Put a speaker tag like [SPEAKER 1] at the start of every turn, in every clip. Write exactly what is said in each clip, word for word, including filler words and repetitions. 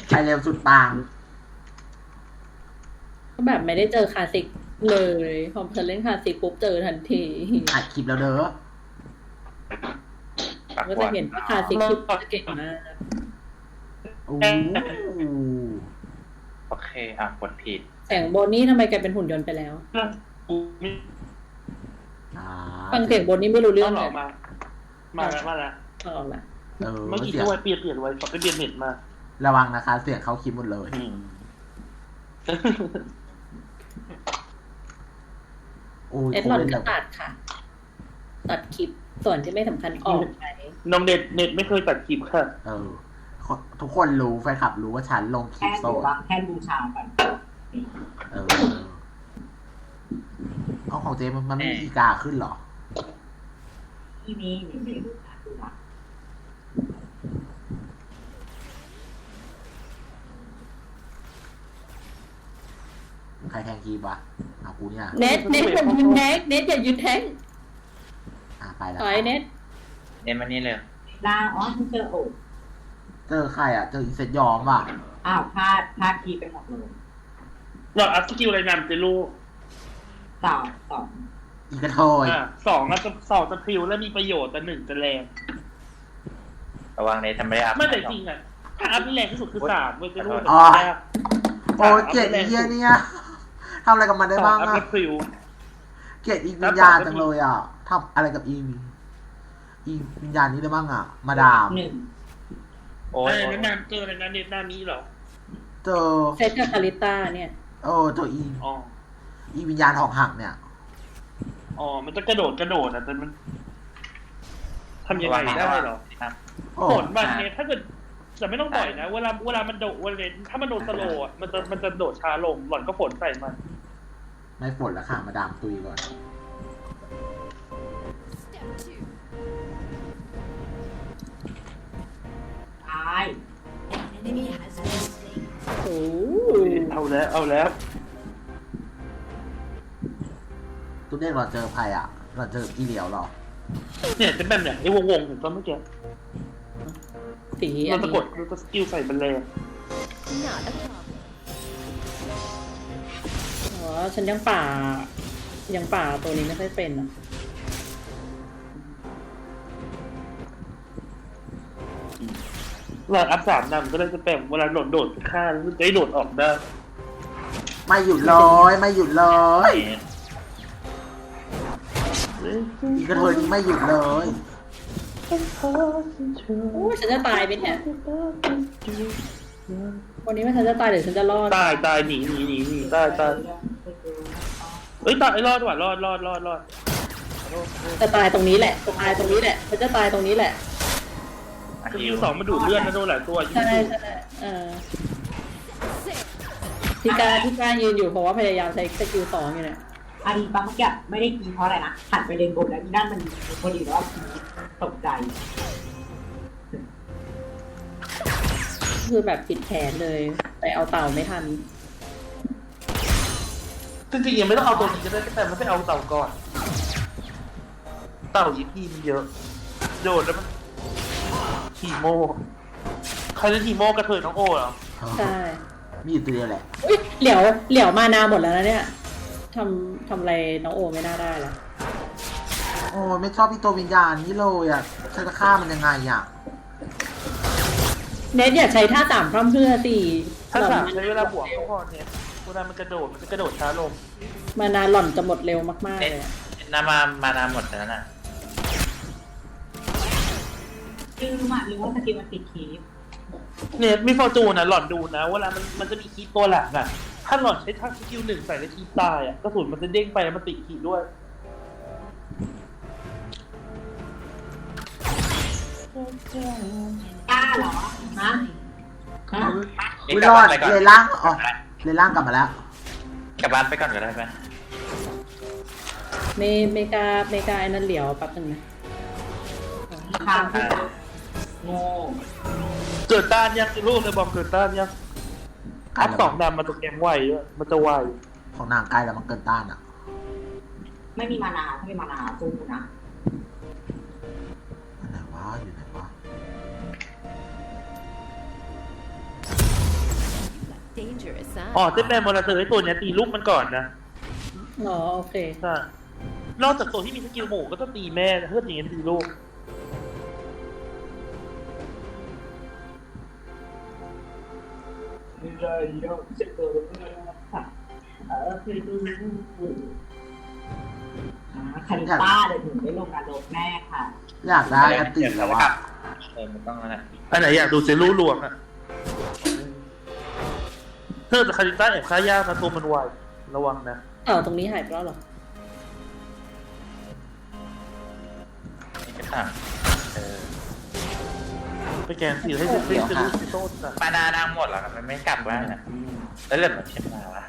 [SPEAKER 1] ใครเร็วสุดปัง
[SPEAKER 2] ก็แบบไม่ได้เจอคลาสสิกเลยพอเธอเล่นคลาสสิกปุ๊บเจอทันที
[SPEAKER 1] อัดคลิปแล้วเด้อ
[SPEAKER 2] ก็จะเห็นว่าคลาสสิกคือเก่งมาก
[SPEAKER 1] โอ้
[SPEAKER 3] โอเคอ่ะกดผิด
[SPEAKER 2] แสงโบนี่ทำไมกลายเป็นหุ่นยนต์ไปแล้วฟังเสียงโบนี่ไม่รู้เรื่องเลย
[SPEAKER 4] มามาแล้วมาแล้ว
[SPEAKER 2] ออกละ
[SPEAKER 4] เมื่อกี้ที่ไว้เปลี่ยนเปลี่ยนไว้ขอไปเปลี่ยนเน็ตมา
[SPEAKER 1] ระวังนะคะเสียงเขาคลิปหมดเลย
[SPEAKER 2] เอ็ดหลอนก็ตัดค่ะตัดคลิปส่วนที่ไม่สำคัญออกไป
[SPEAKER 4] น้องเน็ตเน็ตไม่เคยตัดคลิปค่ะ
[SPEAKER 1] เออทุกคนรู้แฟนคลับรู้ว่าฉันลงคลิปโซ่
[SPEAKER 5] แค่บูชาก่อน
[SPEAKER 1] เออเอาของเจมันมันไม่มีอีกาขึ้นหรอ
[SPEAKER 5] ที่นี่มีบูชาดูนะ
[SPEAKER 1] ใครแทงคีบวะเอากูเนี่ย
[SPEAKER 2] เน็ตเน็ตอย่ายืนแทงเน็ตอย่ายืนแทง
[SPEAKER 1] อ่ะไปแล้ว
[SPEAKER 2] ถอยเน็ต
[SPEAKER 3] เน็ตมานี่เลย
[SPEAKER 5] ลาอ๋อคุณเจอโอ
[SPEAKER 1] เจอใครอ่ะเจออีเซตยอมว่ะ
[SPEAKER 5] อ้าวพลาดพลาดทีไปหมดเลย
[SPEAKER 4] เราอัพสกิลอะไรนำจะรู้
[SPEAKER 5] สองสอง
[SPEAKER 1] อีกระโถย
[SPEAKER 4] สองจะสองจะพริวและมีประโยชน์แต่หนึ่งจะแรง
[SPEAKER 3] ระวังเน็ตทำไม่ได้อัพ
[SPEAKER 4] ไม่แต่จริงอ่ะถ้าอัพที่แรงที่สุดคือสามเว้ยจะรู้
[SPEAKER 1] อ๋อโอ้เกลียดอีเหี้ยเนี่ยทำอะไรกับมันได้บ้างอะเกลียดอีวิญญาณจังเลยอ่ะทำอะไรกับอีอีวิญญาณนี้ได้บ้างอ่ะมาดาม
[SPEAKER 5] หนึ่ง
[SPEAKER 4] โอ้ยนั่นนานเจออะไรนะเน็ตหน้านี้เหรอ
[SPEAKER 1] เจอ
[SPEAKER 2] เซตกับคาริต้าเนี่ย
[SPEAKER 1] โอ้ตัวอีอีวิญญาณหอกหักเนี่ย
[SPEAKER 4] อ๋อมันจะกระโดดกระโดดอ่ะแต่มันทำยังไงได้หรอผลมันเนี่ยถ้าเกิดแต่ไม่ต้องปล่อยนะเวลาเวลามันโดดเวลาถ้ามันโดนสโลว์อ่ะมันจะมันจะโดดช้าลงหล่อนก็ฝนใส่มัน
[SPEAKER 1] ไม่ฝนแล้วค่ะมาดามตุยก่อน
[SPEAKER 5] ตาย
[SPEAKER 2] โอ้
[SPEAKER 4] เอาแล้วเอาแล้ว
[SPEAKER 1] ตัวเด็กเราเจอใครอ่ะเราเจออีเหลียวหรอ
[SPEAKER 4] เนี่ยเป็นแบบเนี่ยไอ้วงๆเห็นตอนเมื่อกี้
[SPEAKER 2] สี
[SPEAKER 4] เราจะกดเราจะสกิลใส่บันเลง
[SPEAKER 2] อ๋อฉันยังป่ายังป่าตัวนี้ไม่ค่อยเป็นอ่ะ
[SPEAKER 4] เราอัพสามนำก็ได้จะแปมเวลาโดดโดดฆ่าแล้วจะได้โดดออกได้
[SPEAKER 1] ไม่หยุดเลยไม่หยุดเลยอีกระเทยไม่หยุดเลย
[SPEAKER 2] โอ้ฉันจะตายไปเนี่ยวันนี้ว่าฉันจะตายหรือฉันจะรอด
[SPEAKER 4] ตายตายหนีหนีหนีหนีตายตายเฮ้ยตายรอดว่ะรอดรอดรอดรอด
[SPEAKER 2] จะตายตรงนี้แหละตายตรงนี้แหละฉันจะตายตรงนี้แหละ
[SPEAKER 4] สกิลสองมาดูดเลือดนะโดนหลายตัว
[SPEAKER 2] ใช่ใช่เออที่การที่การยืนอยู่เพราะว่าพยายามใช้สกิลสองอยู่เนี่ย
[SPEAKER 5] อันนี้บางเมื่อกี้ไม่ได้กินเพราะอะไรนะหันไปเลนบนแล้วอีนั่นมันพอดีแล้วตกใจ
[SPEAKER 2] คือแบบผิดแผนเลยแต่เอาเต่าไม่ทัน
[SPEAKER 4] จริงๆยังไม่ต้องเอาตัวนี้ก็ได้แต่มันไม่เอาเต่าก่อนเต่ายีพีมันเยอะโดดแล้วมันทีโมใครเล่นทีโมกระเทยน้องโอ้เหรอ
[SPEAKER 2] ใช่
[SPEAKER 1] มีอยู่ตัวเดียวแหละ
[SPEAKER 2] เหลียวเหลียวมานาหมดแล้วนะเนี่ยทำทำอะไรน้องโอไม่น่าได้ละ
[SPEAKER 1] โอ้ไม่ชอบพี่ตัววิญญาณนี่เลยอ่ะฉันจะฆ่ามันยังไงอ่ะ
[SPEAKER 2] เน็ตอย่าใช้ท่าต่ำพร่ำเพื่อสิ
[SPEAKER 4] ท่าต่ำใช้เวลาบวกก็พอเนี่ยเวลามันกระโดดมันจะกระโดดช้าลง
[SPEAKER 2] มานาหล่อนจะหมดเร็วมากๆเลย
[SPEAKER 3] น้ำมามานาหมดแล้วน่ะ
[SPEAKER 5] ลืมอ่ะหรือว่าสกิลมันติดคีฟ
[SPEAKER 4] เนี่ยมีฟอร์จูนนะหล่อนดูนะเวลามันมันจะมีคีฟตัวหลักอ่ะถ้าหล่อนใช้ท่าสกิลหนึ่งใส่ในคีฟตายอ่ะกระสุนมันจะเด้งไปแล้วมันติดคีฟด้วย
[SPEAKER 5] กล้าเหรอฮะฮะ
[SPEAKER 1] วิรอดเลยล่างอ๋อเลยล่างกลับมาแล้ว
[SPEAKER 3] กลับบ้านไปก่อนก็ได้ไหม
[SPEAKER 2] เมเมกาเมกาไอ้นั่นเหลียวแป๊บนึงนะ
[SPEAKER 5] ข้ามที่โง่
[SPEAKER 4] เกิดต้านยังลูกเลยบอกเกิดต้านยังอัพสองดำมาตกแกงไวด้วยมันจะไว
[SPEAKER 1] ของนางใกล้แล้วมันเกินต้านอ่ะ
[SPEAKER 5] ไม่มีมานาถ้ามีมานาสู้นะ
[SPEAKER 1] ไหนวะอยู่ไหนวะ
[SPEAKER 6] dangerous,
[SPEAKER 4] อ๋อ
[SPEAKER 6] huh?
[SPEAKER 4] เจ๊แปมมอลเตอร์ไอ้ตัวเนี้ยตีลูกมันก่อนนะ
[SPEAKER 2] อ๋อโอเค
[SPEAKER 4] ใช่นอกจากตัวที่มีสกิลหมู่ก็ต้องตีแม่เพื่ออย่างนี้ตีลูก
[SPEAKER 5] เออคือดูคาริต้าเดี๋ยวถึงได้ลงการลบแน่ค่ะ
[SPEAKER 1] อยากได้อติแล้วอะ
[SPEAKER 3] เออมันต้องนั่นแหละ
[SPEAKER 4] อันไหนอยากดูเซรูหลวงอะเพิ่มแต่คาริต้าแอบฆ่ายากนะตัวมันไวระวังนะ
[SPEAKER 2] อ้าวตรงนี้หายไปแล้วเหรอ
[SPEAKER 3] นี่ก็ต่างเออ
[SPEAKER 4] ไปแกนสีให้เซรูเซรูซิโต้จ้ะ
[SPEAKER 3] มานาดังหมดแล้วมันไม่กลับบ้านอ่ะแล้วเหลือแบบเช่นมาวะ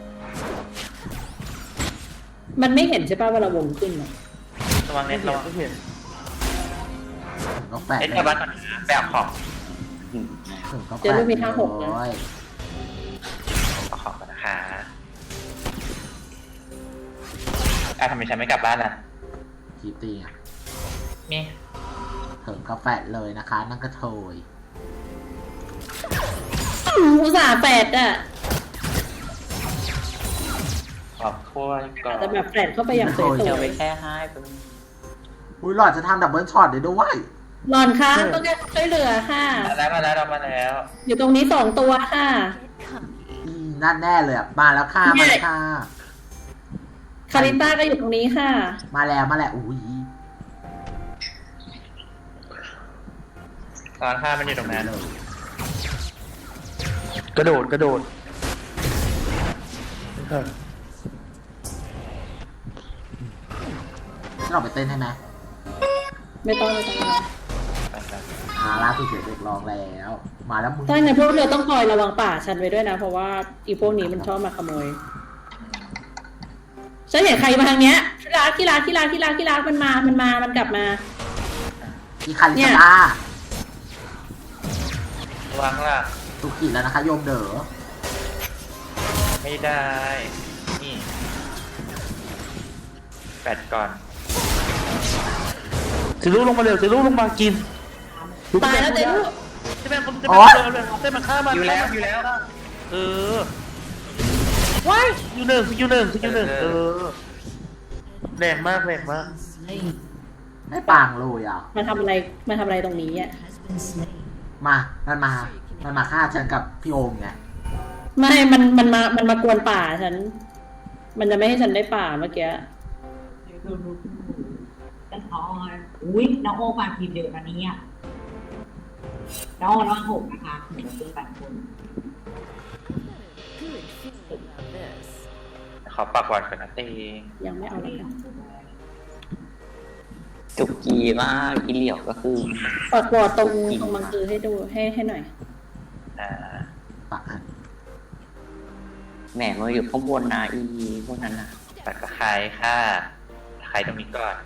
[SPEAKER 2] มันไม่เห็นใช่ป่ะว่าเราวงขึ้นอะ
[SPEAKER 3] ระวัง
[SPEAKER 4] ไม่
[SPEAKER 3] เน็ต
[SPEAKER 4] เห็
[SPEAKER 3] ระ
[SPEAKER 4] น
[SPEAKER 3] วัง
[SPEAKER 4] ไม่เห็น
[SPEAKER 1] ถึงก็แปะ
[SPEAKER 3] เน็ตกลับบ้านก่อนนะแบบของ
[SPEAKER 1] ถึงก็แปะ
[SPEAKER 2] เจอรูปมีห้าหกนะ
[SPEAKER 1] เลย
[SPEAKER 3] เอาของก่อนนะคะอ่ะทำไมฉันไม่กลับบ้านล่ะ
[SPEAKER 1] คีตีอ่ะ
[SPEAKER 3] นี่
[SPEAKER 1] ถึงก็แปะเลยนะคะ นั่งกระโถย
[SPEAKER 2] อุตส่าห์แปดอะ
[SPEAKER 3] ขอบคุยก่อ
[SPEAKER 2] อาจ
[SPEAKER 3] น
[SPEAKER 2] จะแบบแปดเข้าไปอย่างสวย
[SPEAKER 3] เดี๋ยวไปแค่ให้ไป
[SPEAKER 1] อุ้ยหลอดจะทำดับเบิลช็อตได้ด้วย
[SPEAKER 2] ๆหลอนคะต้องการช่วยเหลือค่ะ
[SPEAKER 3] มาแล้วมาแล้วเรามาแล้ว
[SPEAKER 2] อยู่ตรงนี้สองตัวค่ะ
[SPEAKER 1] อีนั่นแน่เลยอ่ะ มาแล้วค่ะ มาแล้วค่ะ
[SPEAKER 2] คาริต้าก็อยู่ตรงนี้ค่ะ
[SPEAKER 1] มาแล้วมาแล้วอุ้ย
[SPEAKER 3] ตอนข้ามันอยู่ตรงนั้น
[SPEAKER 1] เลย
[SPEAKER 4] กระโดดกระโดด
[SPEAKER 1] เราไปเต้นให้ไหม
[SPEAKER 2] ไม่ต้องไม่ต้อง
[SPEAKER 3] ไปครับ
[SPEAKER 1] อ่าล่าสุดเสียงเด็กร้องแล้ว มาแล้วมึง
[SPEAKER 2] ถ้างั้นพวกเราต้องคอยระวังป่าฉันไว้ด้วยนะ เพราะว่าอีพวกนี้มันชอบมาขโมย ฉันเห็นใครมาทางเนี้ยที่รักที่รักที่รักที่รักที่รักมันมา มันมา มันกลับมา
[SPEAKER 1] อีคาริ
[SPEAKER 2] เนี่ย
[SPEAKER 1] สตา
[SPEAKER 3] ระวังล่ะ
[SPEAKER 1] ตุกิแล้วนะคะโยมเด๋อ
[SPEAKER 3] ไม่ได้ นี่แปดก่อน
[SPEAKER 4] เซรูลงมาเร็วเซรูลงมากิน
[SPEAKER 2] ตายแล้วเจ๊ลูก
[SPEAKER 4] เจ๊แปมคนเจ๊แปมเร็วเจ๊มาฆ่ามัน
[SPEAKER 3] อยู่แล้วอยู่แล้ว
[SPEAKER 4] เออว้ายสกิลหนึ่งสกิลหนึ่งสกิลหนึ่งเออแรงมากแรงมาก
[SPEAKER 1] ไม่ปางเลยอ่ะ
[SPEAKER 2] มาทำอะไร มาทำอะไรตรงนี้อ่ะ
[SPEAKER 1] มา มันมา มันมาฆ่าฉันกับพี่โอมไง
[SPEAKER 2] ไม่ มัน มันมา มันมากวนป่าฉัน มันจะไม่ให้ฉันได้ป่าเมื่อกี้
[SPEAKER 5] กันทอยอุ้ยน้องโอมาทีมเดียวกันนี้อ่ะน้องโอน้องหกนะคะหนึ่งเป็นแปดคน
[SPEAKER 6] Good feeling on this.
[SPEAKER 3] ขอปากก่อนก่อนนะเต้
[SPEAKER 2] ยังไม่เอาแล้วกัน
[SPEAKER 7] จุกกีมากอีเหลียวก็คือ
[SPEAKER 2] ปอดปอดตรงตรงมังคือให้ดู ให้ให้หน่อย
[SPEAKER 3] อ่า
[SPEAKER 1] ปากอัน
[SPEAKER 7] แหมมาอยู่ข้างบนนะอีพวกนั้นนะ
[SPEAKER 3] ตัดตะไคร้ค่ะตะไคร้ตรงนี้ก่อน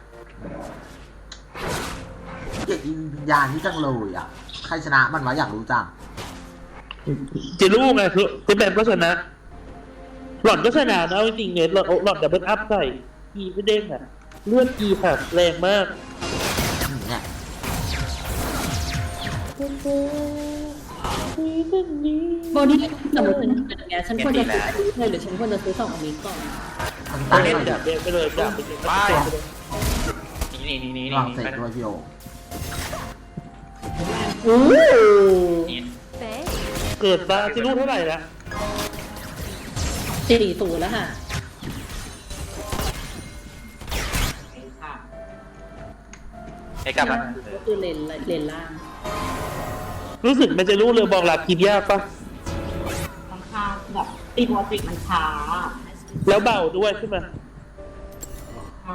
[SPEAKER 1] เกลียดอีวิญญาณนี่จังเลยอ่ะ ใครชนะมันวะอยากรู้จัง
[SPEAKER 4] เจลูกไงคือเจ๊แปมก็ชนะหล่อนก็ชนะนะจริงๆเนี่ยหล่อนหล่อนดับเบิลอัพใส่กีไม่เด้งอ่ะเลือดกีค่ะแรงมาก
[SPEAKER 1] อืมเนี่ย
[SPEAKER 2] โบนี่สมมติเป็นแบบเนี้ยฉันควรจะซื้ออันนี้เลยหรือฉันควรจะซื้อสองอันนี้ก่อน
[SPEAKER 1] มัน
[SPEAKER 4] ต้อ
[SPEAKER 1] ตั้
[SPEAKER 4] ง
[SPEAKER 1] ง
[SPEAKER 4] เล่น
[SPEAKER 1] เลย
[SPEAKER 4] จับเดนไปเลยจับไปเลย
[SPEAKER 3] ไป นี่นี่นี่
[SPEAKER 1] ล
[SPEAKER 3] นี่
[SPEAKER 1] อง
[SPEAKER 3] นี่
[SPEAKER 1] เสร็จด้วยพี่โอม
[SPEAKER 2] อู้
[SPEAKER 3] นี่
[SPEAKER 6] Thanks.
[SPEAKER 4] เกิดมาเจลูกเท่าไหร่ละ
[SPEAKER 2] สี่ศูนย์แล้วค่ะ
[SPEAKER 5] ค่ะ
[SPEAKER 3] ไอ้กลับมา
[SPEAKER 2] ก็คือเลนเลนล่าง
[SPEAKER 4] รู้สึกมันจะรู้เลยบอกหลักกินยากปะ
[SPEAKER 5] ค่อนข้างแบบตีโมติกมันช้า
[SPEAKER 4] แล้วเบาด้วยใช่ไหม
[SPEAKER 5] ค่ะ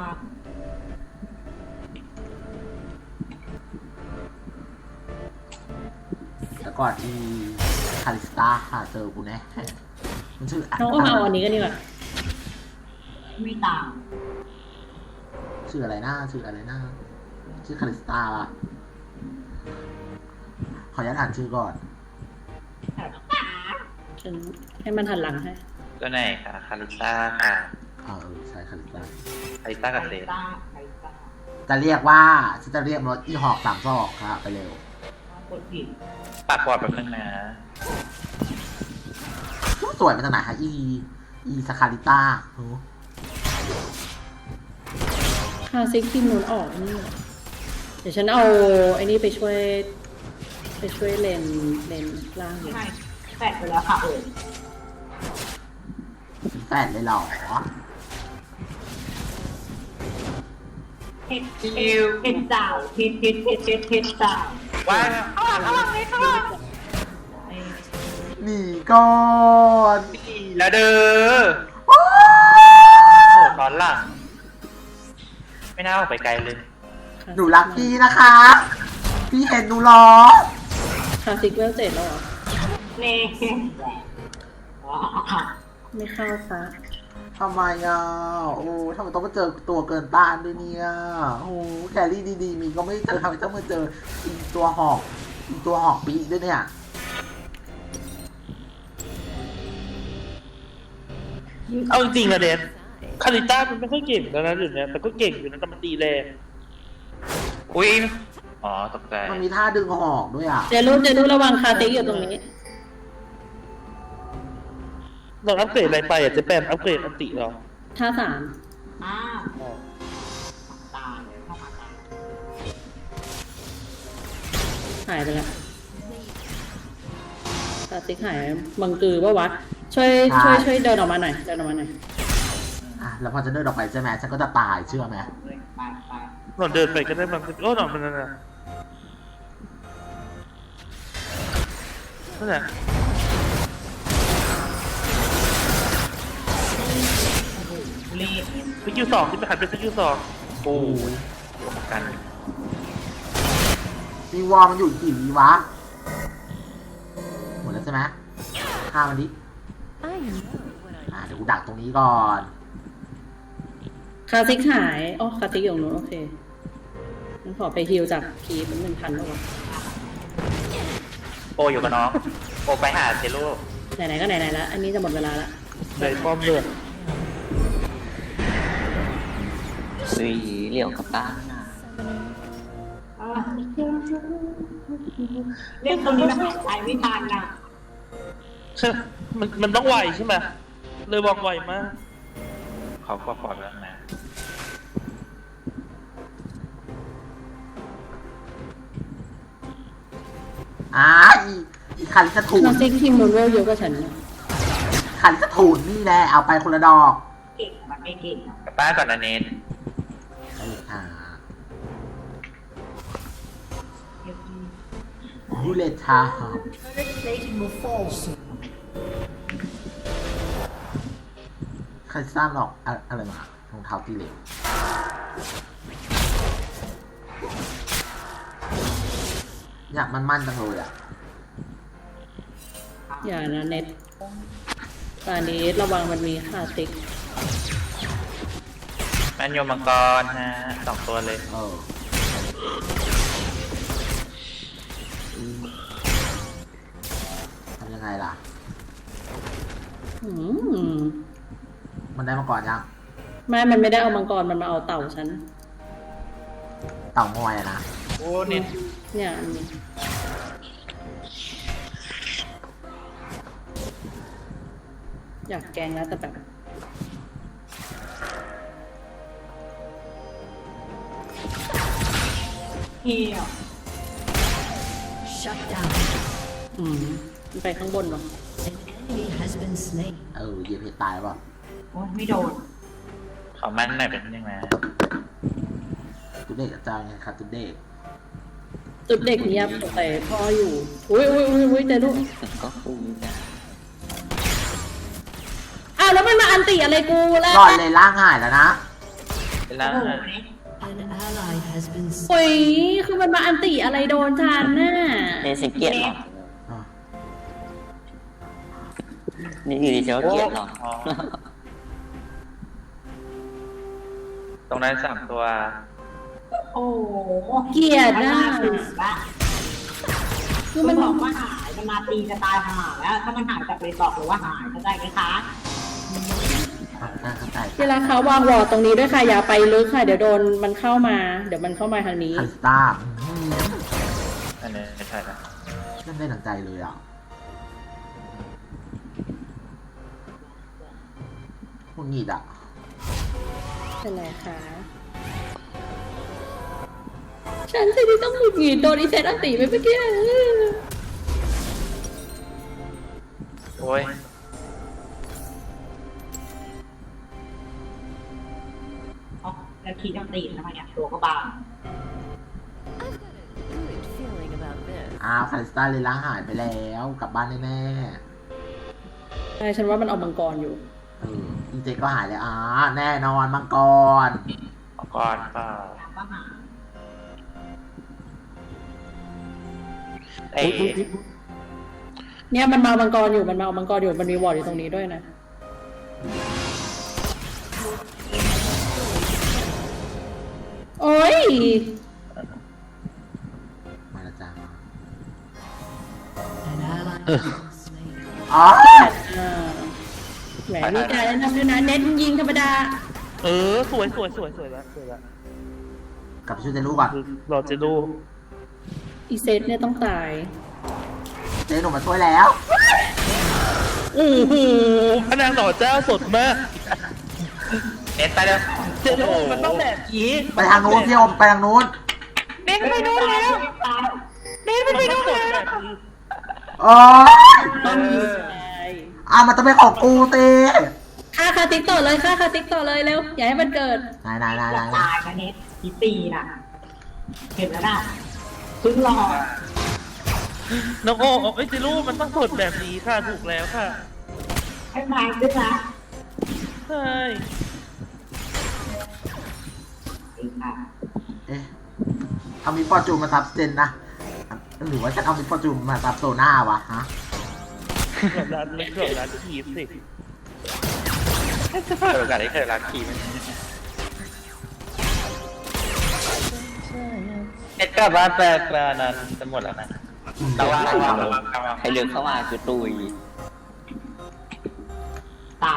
[SPEAKER 1] แต่ก่อนอีคาริสตาค่ะเจอกูแน่มันชื่อ
[SPEAKER 2] น้องก็มาเอาอันนี้กันดีกว่า
[SPEAKER 5] ไม่ต่าง
[SPEAKER 1] ชื่ออะไรนะชื่ออะไรนะชื่อคาริสตาป่ะขออนุญาตอ่านชื่อก่อน
[SPEAKER 2] ฉันให้มันหันหลังให้
[SPEAKER 3] ตัวไหนคะคาริต้าค่ะ
[SPEAKER 1] เออใช่คาริสตา
[SPEAKER 3] คาริต้ากับเซน
[SPEAKER 5] ต้าใครต้า
[SPEAKER 1] จะเรียกว่าฉันจะเรียกรถอีหอกสามซอกค่ะ ไปเร็ว
[SPEAKER 5] กดผิด
[SPEAKER 3] ปากก่อนแป๊บนึงนะ
[SPEAKER 1] สวยมาจากไหนคะอีอีสคาริต้าโอ้
[SPEAKER 2] คาซิกทีมนู้นออกนี่เหรอเดี๋ยวฉันเอาไอ้นี่ไปช่วย ไปช่วยเลนเลนล่างอยู่
[SPEAKER 5] ใช่แปดไปแล้วค่ะเออ
[SPEAKER 1] แฟนเลยเหรอ
[SPEAKER 5] เฮ็ดเฮ็ดเฮ็ดดาวเฮ็ดเฮ็ดเฮ็ดเฮ็ดเฮ็ดดาว
[SPEAKER 3] ว่า
[SPEAKER 1] หนีก่อน
[SPEAKER 3] แล้วเด้อโหตอนหลัง ไม่น่าออกไปไกลเลย
[SPEAKER 1] หนูรักพี่นะคะ พี่เห็นหนูเหรอ
[SPEAKER 2] คาซิกเวลเจ็ดแล้วเหรอ
[SPEAKER 5] เน่
[SPEAKER 2] ไม่เข้าค่ะ
[SPEAKER 1] ทำไมอ่ะ โอ้ทำไมต้องมาเจอตัวเกินต้านด้วยเนี่ย โอ้แครี่ดีๆ มีก็ไม่เจอทำไมต้องมาเจออีตัวหอกอีตัวหอกปีด้วยเนี่ย
[SPEAKER 4] เอาจริงๆนะเดนคาริต้ามันไม่ค่อยเก่งแล้วนะเดี๋ยวนี้แต่ก็เก่งอยู่นะแต่มันตีแรง
[SPEAKER 3] อุ้ยอ๋อตกใจ
[SPEAKER 1] มันมีท่าดึงหอกด้วยอ่ะ
[SPEAKER 2] เจรู้เจรู้ระวังคาซิกอยู่ตรงนี้
[SPEAKER 4] เราอัปเกรดอะไรไปอ่ะเจะแปมอัปเกรดอันติเหรอ
[SPEAKER 2] ท่าสาม
[SPEAKER 5] อ้าว
[SPEAKER 4] อ๋อ
[SPEAKER 5] ตายเลยเข้ามาตาย
[SPEAKER 2] หายไปแล้วคาซิกหายบังกือปะวะ ช่วยช่วยช่วยเดินออกมาหน่อย เดินออกมาหน่อย
[SPEAKER 1] อ่ะ แล้วพอจะเดินออกไปใช่ไหมฉันก็จะตายเชื่อไหม
[SPEAKER 5] ไปไป
[SPEAKER 4] เราเดินไปก็ได้บางโอ้หนอมันนั่นน่ะนั่นแหละ
[SPEAKER 5] เล่น
[SPEAKER 4] สกิลสองที่ไปหันเป็นสกิลสอง
[SPEAKER 3] โอ้ยกัน
[SPEAKER 1] มีวอลมันอยู่กี่วีวะ หมดแล้วใช่ไหมฆ่ามันดิ
[SPEAKER 6] I know what I
[SPEAKER 1] อ่ะเดี๋ยวกูดักตรงนี้ก่อน
[SPEAKER 2] คาซิกหายอ๋อคาซิกอยู่ตรงนู้นโอเคงั้นขอไปฮิลจากคีเป็นหนึ่งพันแล้ววะ
[SPEAKER 3] โออยู่กับน้องโอไปหาเซโร่
[SPEAKER 2] ไหนๆก็ไหนๆแล้ว อันนี้จะหมดเวลาละ
[SPEAKER 4] ได้ป้อมเลือด
[SPEAKER 7] สีเหลี่ยวกับตาหน้า
[SPEAKER 5] เออเล่นตรงนี้มันหายใจไม่ทันนะ
[SPEAKER 4] มันมันต้องไวใช่ไหมเลยวางไวมาก
[SPEAKER 3] เขาก็ปลอดแล้วนะ
[SPEAKER 1] อ่าอีอีคาริสทู
[SPEAKER 2] คาน ซิกทีมนู้นเวลเยอะกว่าฉันนะ
[SPEAKER 1] คาริสทูนนี่แหละ เอาไปคนละดอก
[SPEAKER 5] เก่งมันไม่เก่งอะ
[SPEAKER 3] กลับบ้านก่อนนะเนท
[SPEAKER 1] ได้เลยค่ะบูเลตาใครสร้างหรอกอะอะไรมารองเท้าตีเหล็กอยากมันๆจังเลยอ่ะ
[SPEAKER 2] อย่านะเน็ตตอนนี้ระวังมันมีคาซิก
[SPEAKER 3] แมนโยมังกรฮะสองตัวเลย
[SPEAKER 1] เออทำยังไงล่ะ
[SPEAKER 2] อืม
[SPEAKER 1] มันได้มาก่อนยัง
[SPEAKER 2] ไม่มันไม่ได้เอามังกร มันมาเอาเต่าฉัน
[SPEAKER 1] เต่างอยอะนะ
[SPEAKER 3] โอ้เนท
[SPEAKER 2] เนี่ยอันนี้อยากแกงแล้วแต่แบบ
[SPEAKER 5] เฮีย
[SPEAKER 6] shut down.
[SPEAKER 2] อืมมันไปข้างบนหรอ
[SPEAKER 6] An enemy has been slain.
[SPEAKER 1] เออเหยียบเพชรตายป่ะ
[SPEAKER 5] โอ้ยไม่โดน
[SPEAKER 3] เขามันหน่อยเป็นยังไง
[SPEAKER 1] ตุเด็กกับเจ้าไงครับตุเด็ก
[SPEAKER 2] จุดเด็กเงียบแต่พ่ออยู่ อุ้ยอุ้ยอุ้ยอุ้ยแต่ลูก
[SPEAKER 7] ก็ฟูจ้ะ
[SPEAKER 2] อ้าวแล้วมันมาอันติอะไรกูล่ะ
[SPEAKER 1] รอดเลยล่างหายแล้วนะ
[SPEAKER 3] เวลา
[SPEAKER 5] โอ้โหเนี่ย
[SPEAKER 6] An ally has been
[SPEAKER 2] โอ้ยคือมันมาอันติอะไรโดนฉันน่ะ
[SPEAKER 7] เนสิเกียรติหรอนี่อยู่ดีเจ้าเกียรติหรอ
[SPEAKER 3] อ๋อตรงนั้นสามตัว
[SPEAKER 5] โอ้โห
[SPEAKER 2] เกลียดน่ะ
[SPEAKER 5] คือ
[SPEAKER 2] คือ
[SPEAKER 5] มั
[SPEAKER 2] มัน น
[SPEAKER 5] บอกว่าหายมันมาตีจะตายหาแล้ว ถ้ามันหายจากเลยบอกเลยว่าหายเข้าใจไหมคะ
[SPEAKER 1] อ่ะเข้าใจ
[SPEAKER 2] เวลาเขาวางวอร์ดตรงนี้ด้วยค่ะ อย่าไปลึกค่ะ เดี๋ยวโดนมันเข้ามา เดี๋ยวมันเข้ามาทางนี้
[SPEAKER 1] คาริสต้าอืม
[SPEAKER 3] อันนี้ไม่ใช่ละ
[SPEAKER 1] เล่นได้หนังใจเลยอ่ะหงิดอ่ะ
[SPEAKER 2] เป็นไรคะ ฉันสิที่ต้องหงุดหงิดโดนอีเซตอันตีไปเมื่อกี้
[SPEAKER 3] โอ้ย
[SPEAKER 5] อ๋อแล้วคีต้องตีทำไมเนี่ยตัวก็บาง
[SPEAKER 6] I've got a good feeling about this.
[SPEAKER 1] อ้าวคาริสตาเลยล้างหายไปแล้วกลับบ้านแน่
[SPEAKER 2] ใช่ฉันว่ามันเอามังกรอยู่
[SPEAKER 1] ๆเอออีเจก็หายแล้วอ่าแน่นอนมังกร
[SPEAKER 3] ก่อนเปล่า
[SPEAKER 5] ก็หา
[SPEAKER 3] ไอ้
[SPEAKER 2] เนี่ยมันมาเอามังกรอยู่มันมาเอามังกรอยู่มันมีวอร์ดอยู่ตรงนี้ด้วยนะ โอ้ย
[SPEAKER 1] มาและจ้า
[SPEAKER 6] An ally has been slain.
[SPEAKER 1] อ๋อ
[SPEAKER 2] อ่าแหมมีการแนะนำด้วยนะเน้นยิงธรรมดา
[SPEAKER 4] เออสวยสวยสวยสวยแล้วสวยแล้ว
[SPEAKER 1] กลับไปช่วยเจลูกก่อน
[SPEAKER 4] คือเราจะดู
[SPEAKER 2] อีเซตเนี่ยต้องตาย
[SPEAKER 1] เจหนูมาช่วยแล้ว
[SPEAKER 4] โอ้โหพระนางหน่อเจ้าสดมาก
[SPEAKER 3] เน็ตไปแล้ว
[SPEAKER 4] เจโร่มันต้องแบบนี้
[SPEAKER 1] ไปทางนู้นพี่โอมไปทางนู้น
[SPEAKER 3] เน็ตไปโน่นแล้วเน็ตมันไปโน่นแล้ว
[SPEAKER 1] อ๋อ
[SPEAKER 2] ต้องมีตาย
[SPEAKER 1] อ่ะมันต้องเป็นของกูเต้
[SPEAKER 2] ฆ่าคาติ๊กต่อเลยฆ่าคาติ๊กต่อเลยเร็วอย่าให้มันเกิด
[SPEAKER 1] นายนายนาย
[SPEAKER 5] จะ
[SPEAKER 1] นาย
[SPEAKER 5] ตายนะเน็ตที่ตีน่ะเห็นแล้วน่ะเพิ่งรอ
[SPEAKER 4] น้องโอ้เอ้ยเจโร่มันต้องสดแบบนี้ค่ะถูกแล้วค่ะ
[SPEAKER 5] ให้ไม้ขึ้นนะ
[SPEAKER 4] ใช่
[SPEAKER 5] เองค่ะ
[SPEAKER 1] เอ๊ะเอามิฟอร์จูนมาซับเจนนะหรือว่าฉันเอามิฟอร์จูนมาซับโซน่าวะฮะ
[SPEAKER 4] เกือบร้านเล็กเกือบร้านทีฟสิ
[SPEAKER 3] จะเปิดโอกาสให้เธอรักทีมเน็ตกลับบ้านแปลกแล้วนั้นจะหมดแล้วนะระวังระวังระวังระวัง
[SPEAKER 7] ใครเลือกเข้ามาคือตุย
[SPEAKER 5] ตาม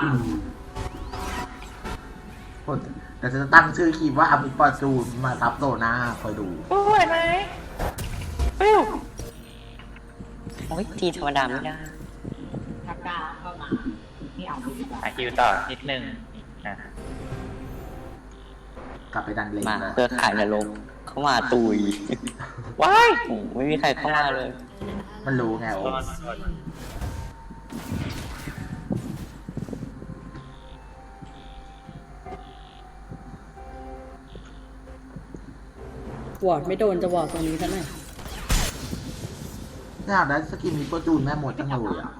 [SPEAKER 1] แต่จะตั้งชื่อคลิปว่าเอามิฟอร์จูนมาซับโซน่าคอยดู
[SPEAKER 3] โอ้ยไหมปิ้ว
[SPEAKER 7] โอ้ยทีธรรมดาไม่ได้
[SPEAKER 5] ทักกาเข้ามาไม่เอาดีกว่า
[SPEAKER 3] อ่ะคิวต่อนิดนึงอ่ะ
[SPEAKER 1] กลับไปดันเลน
[SPEAKER 7] มา
[SPEAKER 1] เลย
[SPEAKER 7] เพื่อขายนรกเข้ามาตุย
[SPEAKER 3] ว้าย
[SPEAKER 7] โอ้ไม่มีใครเข้ามาเลย
[SPEAKER 1] มันรู้ไงโอ้
[SPEAKER 2] วอร์ดไม่โดนจะวอร์ดตรงนี้ซะหน่อย
[SPEAKER 1] อยากได้สกินมิฟอร์จูนแม่หมดจังเลยอ่ะ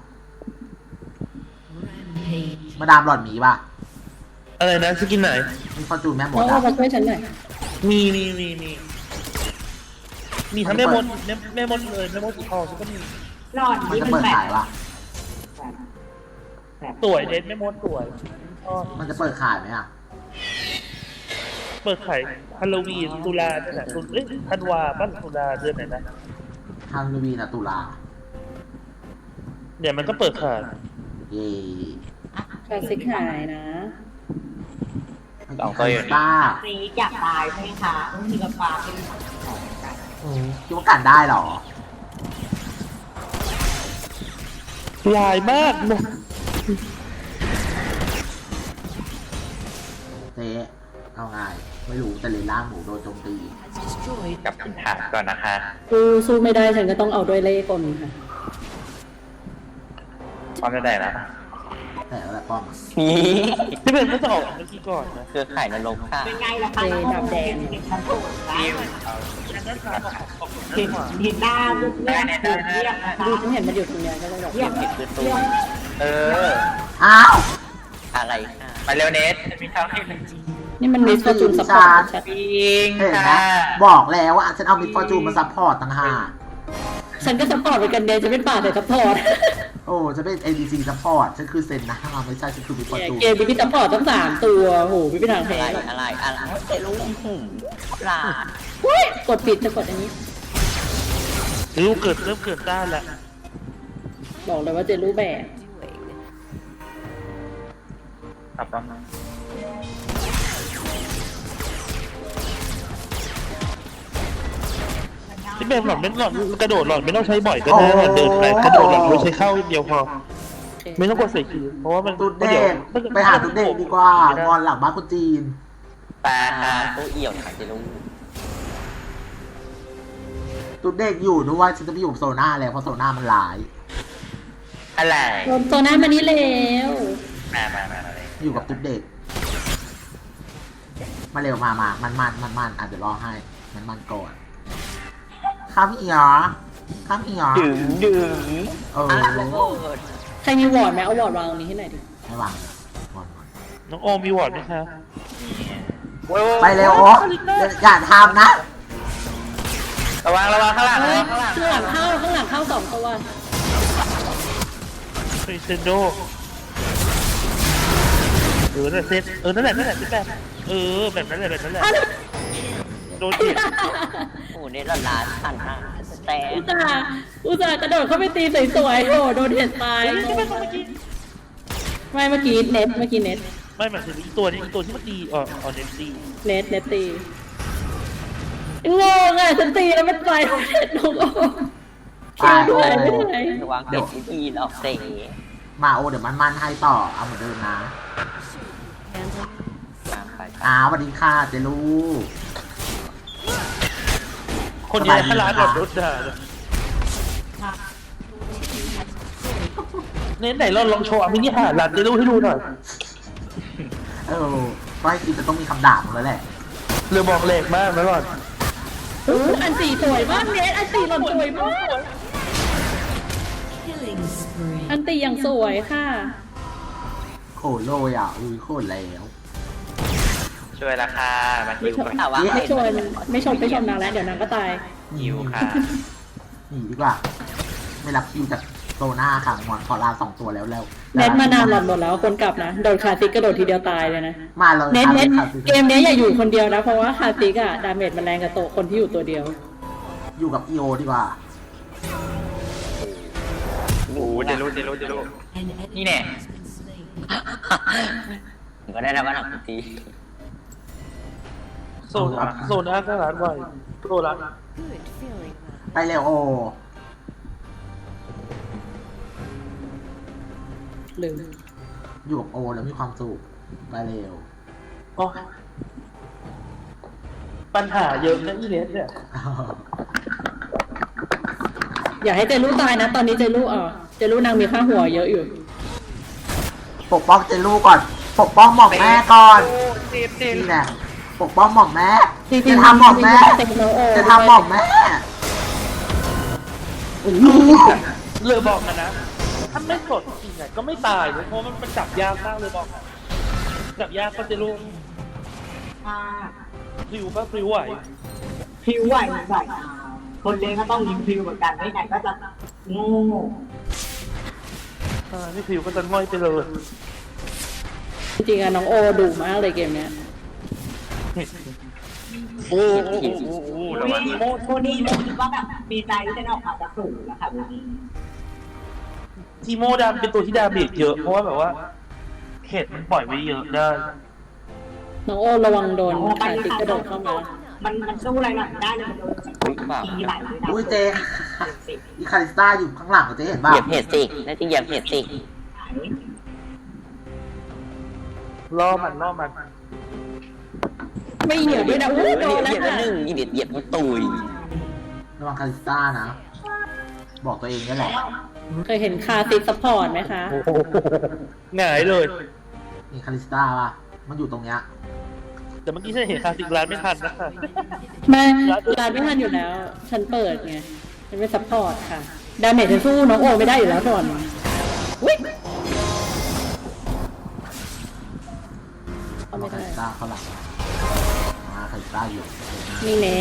[SPEAKER 6] Rampage.
[SPEAKER 1] มาดามหลอดหมีป่ะ
[SPEAKER 4] อะไรนะสกินไหน
[SPEAKER 1] มิฟอร์จูนแม่หม
[SPEAKER 2] น้อ
[SPEAKER 1] ด
[SPEAKER 2] ง
[SPEAKER 1] อ่ะ
[SPEAKER 2] เอามาช่วยฉันหน่อย
[SPEAKER 4] มีมีมีมีมีทั้งแม่มดแม่แม่มดเลยแม่มดสีทองก็มี
[SPEAKER 5] หลอด
[SPEAKER 1] มัน
[SPEAKER 5] นี่
[SPEAKER 1] จะ
[SPEAKER 5] มัน
[SPEAKER 1] เปิด
[SPEAKER 5] แบบ
[SPEAKER 1] ขายป่ะ
[SPEAKER 5] แบบ
[SPEAKER 4] สวยเด็ดแม่มดสวยชอบ
[SPEAKER 1] มันจะเปิดขายไหมอ่ะ
[SPEAKER 4] เปิดขายฮาโลวีนตุลาเนี่ยแหละตุเอ้ยธันวาบ้านตุลาเดือนไหนนะ
[SPEAKER 1] ฮาโลวีนอะตุลา
[SPEAKER 4] เดี๋ยวมันก็เปิดขาย
[SPEAKER 1] เย่
[SPEAKER 2] คลาสสิกหายนะ
[SPEAKER 3] สองตัวอยู่นี่
[SPEAKER 1] ป้า
[SPEAKER 5] ซีอยากตายใช่ไหมคะต้องมีกระปาเป็นของกัน
[SPEAKER 1] คิดว่ากันได้เหรอ
[SPEAKER 4] ลายมากนะ
[SPEAKER 1] เจ๊เอาไงไม่รู้แต่เลนล่างหมูโดนโจมตี
[SPEAKER 6] Has destroyed
[SPEAKER 3] กลับคำถามก่อนนะคะ
[SPEAKER 2] สู้สู้ไม่ได้ฉันก็ต้องเอาด้วยเล่ห์กลค่ะ
[SPEAKER 3] พร้อมจะได้นะ
[SPEAKER 1] แต่แล้วแหละป้อมอะ
[SPEAKER 7] นี่
[SPEAKER 4] ที่เป็นเมื่อสองเมื่อกี้ก่อนนะ
[SPEAKER 7] เครือข่ายนรกค่ะ
[SPEAKER 5] เป็นไงล่ะคะ
[SPEAKER 2] เจดับแดง
[SPEAKER 5] เห็นมันโผล่ได้
[SPEAKER 3] ทีม
[SPEAKER 5] เห็นเห็นหน้าเรื่องเรื่องเรื่องเรียกนะคะ
[SPEAKER 2] ดูฉันเห็นมันอยู่ตรงนี้ก็เลยแบบ
[SPEAKER 5] เรียก
[SPEAKER 7] ผิดคือตุย
[SPEAKER 3] เออ
[SPEAKER 1] อ้าว
[SPEAKER 7] อะไรค่ะ
[SPEAKER 3] ไปเร็วเน็ตมีเท่าที่หนึ่ง
[SPEAKER 2] นี่มันมีฟอร์จูนซัพพอร์ตชัด
[SPEAKER 3] ปิง
[SPEAKER 1] เห็นไหม
[SPEAKER 3] ค่ะ
[SPEAKER 1] บอกแล้วว่าฉันเอามิฟอร์จูนมาซัพพอร์ตต่างหาก
[SPEAKER 2] ฉันก็ซัพพอร์ตเหมือนกันเดย์จะเป็นป่าแต่ซัพพอร์ต
[SPEAKER 1] โอ้จะเป็น เอ ดี ซี ซัพพอร์ตฉันคือเซนนะไม่ใช่ฉันคือมิฟอร์จูน
[SPEAKER 2] เกมมีซัพพอร์ตตั้งสามตัวโหไม่เป็นทาง
[SPEAKER 7] อะ
[SPEAKER 2] แพ้
[SPEAKER 7] ไร
[SPEAKER 2] หรอก
[SPEAKER 7] อะไรอะไรเจรู้หืมปลาด
[SPEAKER 2] อุ๊ยกดผิดจะกดอันนี้
[SPEAKER 4] ลูกเกิดเริ่มเกิดต้านแล้ว
[SPEAKER 2] บอกเลยว่าเจรู้แบบ
[SPEAKER 6] doing.
[SPEAKER 3] ครับป้อม
[SPEAKER 4] ที่เป็นหลอดไม่หลอดกระโดดหลอดไม่ต้องใช้บ่อยก็ได้หลอดเดินไปกระโดดหลอดเราใช้เข้าเดียวพอ
[SPEAKER 2] โอเค
[SPEAKER 4] ไม่ต้องกดใส่คิวเพราะว่ามัน
[SPEAKER 1] ตุ๊ดเด็
[SPEAKER 4] ดี๋ยว
[SPEAKER 1] กไปหาตุ๊ดเด็กดีกว่างอนหลังบ้านคนจีน
[SPEAKER 7] แปลค่ะตู้เอี่ยวค่ะจะรู้
[SPEAKER 1] ตุ๊ดเด็กอยู่ด้วยฉันจะไปอยู่กับโซน่าแล้วเพราะโซน่ามันร้าย
[SPEAKER 7] อะไร
[SPEAKER 2] โดนโซน่ามานี่แล้ว
[SPEAKER 7] มามามามาเลย
[SPEAKER 1] อยู่กับตุ๊ดเด็ก มาเร็วมามามันมันมันมันอาจจะรอให้ มันมันก่อนข้ามอีหรอข้ามอีหรอ
[SPEAKER 7] ดึงดึง
[SPEAKER 1] เออ
[SPEAKER 7] อะไรระเบิด
[SPEAKER 2] ใครมีวอร์ดไหมเอาวอร์ดวางตรงนี้ให้หน่อยดิ
[SPEAKER 1] ไม่วางวางก่อน
[SPEAKER 4] น้องโอมมีวอร์ดไหมคะ
[SPEAKER 1] ไปเร็วโอ้อย่าทำนะ
[SPEAKER 7] ระวังระวังข้างหลัง
[SPEAKER 2] เฮ้
[SPEAKER 7] ระ
[SPEAKER 2] ย
[SPEAKER 7] วังข้างหลัง
[SPEAKER 2] ข้างหลังเข้าข้างหลังเข้าสองตัว
[SPEAKER 4] คริสเตนโดเออนั่นแหละเซตเออนั่นแหละนั่นแหละที่แบบเออแบบนั้นแหละแบบนั้นแหละโดนเจ็บ
[SPEAKER 7] โอ้เนี่ยละลานพันห้าแต่
[SPEAKER 2] อุตส่าห์อุตส่าห์กระโดดเข้าไปตีสวยๆโอ้โดนเห็ดตายไม่เมื่อกี้เน็ตเมื่อกี้เน็ต
[SPEAKER 4] ไม่หมายถึงอีตัวนี้อีตัวที่มันตีอ๋ออ๋อเนมตี
[SPEAKER 2] เน็ตเน็ตตีงงอ่ะฉันตีแล้วมันตายทั้งเน็ตน้องโอ้คิวด้วยไม่ได้
[SPEAKER 7] ระวังเด็กวิธีออกเตะ
[SPEAKER 1] มาโอเดี๋ยวมันมันให้ต่อเอาเหมือนเดิมนะ
[SPEAKER 7] ตามไป
[SPEAKER 1] อ้าวสวัสดีค่ะเจลู
[SPEAKER 4] คนเดียวให้ร้านแบบรถด่าเลยเน้นไหนเราลองโชว์มินิฮาร์ดร้านจะรู้ให้ดูหน่อย
[SPEAKER 1] เออก็ให้คิดจะต้องมีคำด่าผมแล้วแหละ
[SPEAKER 4] เรือบอกเหล็กมากนะก่อน
[SPEAKER 2] อู้อันตีสวยมากเน็ตอันตีหล่อนสวยมาก
[SPEAKER 6] Killing spree.
[SPEAKER 2] อันตีอย่างสวยค่ะ
[SPEAKER 1] โขนโลยอ่ะอุ้ยโขนแล้ว
[SPEAKER 3] ช่วยราคามาคิวก่อน
[SPEAKER 7] แต่ว่า
[SPEAKER 2] ไม่ชวนไม่ชมไม่ชมนางแล้วเดี๋ยวนางก็ตาย
[SPEAKER 3] คิวค่ะ
[SPEAKER 1] หนีดีกว่า ไม่รับคิวจากโซน่าค่ะงอนขอลาสองตัวแล้วแล้ว
[SPEAKER 2] เน็ตมานานหล่อนหมดแล้วคนกลับนะโดนคาซิกกระโดดทีเดียวตายเลยนะ
[SPEAKER 1] มาเลย
[SPEAKER 2] เน็ต
[SPEAKER 1] ค่ะ
[SPEAKER 2] เน็ต
[SPEAKER 1] ค่ะ
[SPEAKER 2] เกมเนี้ยอย่าอยู่คนเดียวนะ เพราะว่าคาซิกอะดาเมจมันแรงกับโตะคนที่อยู่ตัวเดียว
[SPEAKER 1] อยู่กับอีโอดีกว่า
[SPEAKER 3] โอ้โหเจรู้เจรู้เจรู้
[SPEAKER 6] An
[SPEAKER 3] นี่
[SPEAKER 6] enemy
[SPEAKER 3] แน่
[SPEAKER 6] has been slain.
[SPEAKER 7] ก็ได้นะว่าหนักที
[SPEAKER 4] โซนโซนอาร์ตร้านไวโซนร้าน
[SPEAKER 6] Good feeling about
[SPEAKER 1] ไปเร็วโอ
[SPEAKER 2] ลืม
[SPEAKER 1] อยู่กับโอแล้วมีความสุขไปเร็ว
[SPEAKER 4] โอ้ปัญหาเยอะนะอีเนสเนี่ย
[SPEAKER 2] อย่าให้เจลูตายนะ ตอนนี้เจลูเออเจลูนางมีค่าหัวเยอะอยู่
[SPEAKER 1] ปกป้องเจลูก่อน ปกป้องหม่อมแม่ก่อน
[SPEAKER 3] เจ็บเจ็บ
[SPEAKER 1] นี่แหละปกป้องหม่อมแม่
[SPEAKER 2] จริงๆ
[SPEAKER 1] จะทำหม่อมแม่
[SPEAKER 2] จริงๆน้องโอ
[SPEAKER 1] จะทำหม่อมแม่
[SPEAKER 4] เรือบอกกันนะ ถ้าไม่สดจริงไงก็ไม่ตายเลยเพราะมันมันจับยากมากเลยบอกนะจับยากก็จะรู้
[SPEAKER 5] อ่า
[SPEAKER 4] พริวก็พริวไหว
[SPEAKER 5] พิวไหวไหวอ่าคนเลี้ยงก็ต้องยิงพิวเหมือนกันไม่งั้นก็จะโง่
[SPEAKER 4] อ่านี่พริวก็จะง่อยไปเลย
[SPEAKER 2] จริงๆอะน้องโอดุมากเลยเกมเนี้ย
[SPEAKER 3] โอ้โหโอ้โหโอ้โหระวัง
[SPEAKER 5] โมโมนี่ไม่คิดว่าแบบมีใจที่จะออกมาจากสูงแล้วค่ะวันนี้
[SPEAKER 4] ทีโมดามเป็นตัวที่ดาเมจเยอะเพราะว่าแบบว่าเห็ดมันปล่อยไว้เยอะได้
[SPEAKER 2] น้องโอระวังโดน
[SPEAKER 5] โอ้ไป
[SPEAKER 2] คา
[SPEAKER 5] เลย
[SPEAKER 2] ซิก
[SPEAKER 5] ค่ะ
[SPEAKER 2] กระโดดเข้ามา
[SPEAKER 5] มันมันสู้อะไรหน่อยได้เลยมันโดน
[SPEAKER 7] อุ้ยเปล่า
[SPEAKER 5] ตีไหลเลยนะ
[SPEAKER 1] อุ้ยเจอีคาริสตาอยู่ข้างหลังเจเห็น
[SPEAKER 7] เห
[SPEAKER 1] ป่ะ
[SPEAKER 7] ยียบเห็ดสิน่าจะเหยียบเห็ดสิ
[SPEAKER 4] ล่อมันล่อมัน
[SPEAKER 2] ไม่เหนียวด้วยนะอู้โดน
[SPEAKER 7] เห
[SPEAKER 2] แล้ว
[SPEAKER 7] ยียบ
[SPEAKER 2] ค่ะ
[SPEAKER 7] หนึ่งเหยียบเหยียบมันตุย
[SPEAKER 1] ระวังคาริสตานะ บอกตัวเองนี่แหละ
[SPEAKER 2] เคยเห็นคาซิกซัพพอร์ตไหมคะ
[SPEAKER 4] โอ้โหหงายเลย
[SPEAKER 1] นี่คาริสตาป่ะ มันอยู่ตรงเนี้ย
[SPEAKER 4] แต่เมื่อกี้ฉันเห็นคาสิกร้านไม่ทันนะคะ
[SPEAKER 2] แม่ร้านไม่ทันอยู่แล้ว ฉันเปิดไงฉันเป็นซัพพอร์ตค่ะ ดาเมจฉันสู้น้องโอไม่ได้อยู่แล้วก่อนวิเอา
[SPEAKER 1] ระวั
[SPEAKER 2] ไม่
[SPEAKER 1] งคา
[SPEAKER 2] ได้
[SPEAKER 1] ริสตาเข้าหลังมาคาริสตาอยู่
[SPEAKER 2] นี่แน่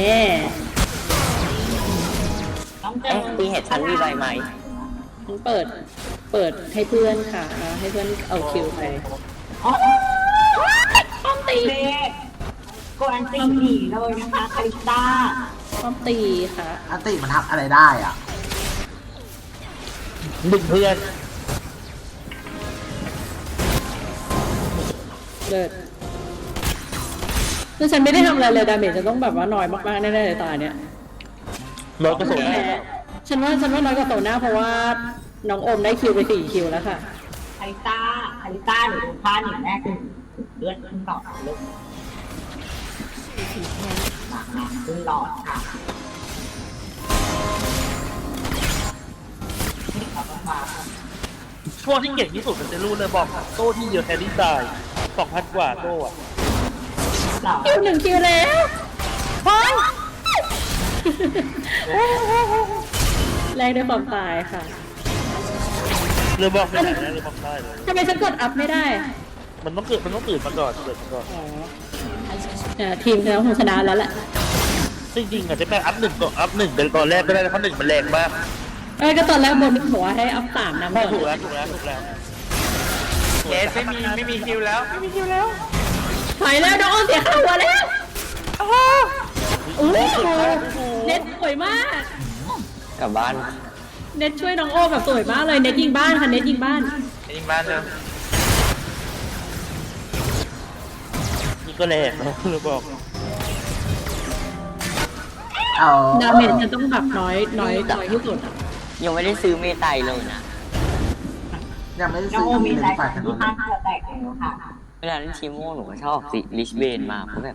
[SPEAKER 5] ต้องเจ
[SPEAKER 7] เอ๊ะ
[SPEAKER 5] อ
[SPEAKER 7] ตีเห็ดชั้นมีใบไหม
[SPEAKER 2] ฉันเปิด เปิดให้เพื่อนค่ะแล้วให้เพื่อนเอาคิวไป
[SPEAKER 5] อ๋อ
[SPEAKER 2] ป้อมตี
[SPEAKER 5] เด็กกดอันตีหนีเลยนะคะคาริสตา
[SPEAKER 2] ป้อมตีค่ะ
[SPEAKER 1] อันติมันทำอะไรได้อ่ะ
[SPEAKER 4] ดึงเพื่อน
[SPEAKER 2] เลิศคือฉันไม่ได้ทำอะไรเลยดาเมจจะต้องแบบว่าน้อยมากๆแน่ๆเลยตาเนี้ย
[SPEAKER 4] ร้อยกระสุน
[SPEAKER 2] แพ้ฉันว่าฉันว่าน้อยกว่าโซน่าเพราะว่าน้องโอมได้คิวไปสี่คิวแล้วค่ะ
[SPEAKER 5] คาริต้าคาริต้าหรือผ้าหนึ่งแรกคือเลือดขึ้นหลอดลึกหลังน้ำขึ้นหลอดค่ะเราต้องมา
[SPEAKER 4] ช่วงที่เก่งที่สุดมันจะรู้เลยบอกโต้ที่เยอะแฮร์รี่ตายสองพันกว่าโต้อะ
[SPEAKER 5] เรา
[SPEAKER 2] คิวหนึ่งคิวแล้วพอยแลกด้วยความตายค่ะ
[SPEAKER 4] เรือบอกไม่ได้นะเรือบอกได้เลย
[SPEAKER 2] ทำไมฉันกดอัพไม่ได้
[SPEAKER 4] มันต้องเกิดมันต้องตื่นมาก่อนเกิดมาก่อน
[SPEAKER 2] อ๋อเอ่อทีมเราคงชนะแล้วแหละ
[SPEAKER 4] จริงๆอาจจะแม่อัพหนึ่งก่อนอัพหนึ่งเป็นตอนแรกก็ได้เพราะหนึ่งมันแรงมาก
[SPEAKER 2] เอ้ยก็ตอนแรกบนบอกว่าให้อัพสามนำก่อน
[SPEAKER 4] ถูกแล้วถูกแล้วถูกแล้ว
[SPEAKER 3] เคสไม่มีไม่มีคิวแล้วไม่มีคิวแล้ว
[SPEAKER 2] ถอยแล้วน้องอ้อมเสียค่าหัวแล้วโอ้โหเน็ตสวยมาก
[SPEAKER 7] กลับบ้าน
[SPEAKER 2] เน็ตช่วยน้องโอ้แบบสวยมากเลยเน็ตยิงบ้านค่ะเน็ตยิงบ้าน
[SPEAKER 3] ยิงบ้านเลย
[SPEAKER 4] นี่ก็แรงนะเรือบอก
[SPEAKER 1] เอา
[SPEAKER 2] ดาเมจจะต้องแบบน้อยน้อยน้อยที่สุดอะ
[SPEAKER 7] ยังไม่ได้ซื้อเมไตเลยนะ
[SPEAKER 1] ยังไม่ได้
[SPEAKER 5] น้อง
[SPEAKER 1] ซื้อ
[SPEAKER 5] โอมี
[SPEAKER 1] เป็น
[SPEAKER 5] ใจ
[SPEAKER 1] ฝ่ายกัน
[SPEAKER 5] ที่
[SPEAKER 1] น
[SPEAKER 5] ข้างเธอแตกแล้วค่ะ
[SPEAKER 7] เวลาเล่นชิโม่หนูก็ชอบสิลิชเบนมาเพราะแบบ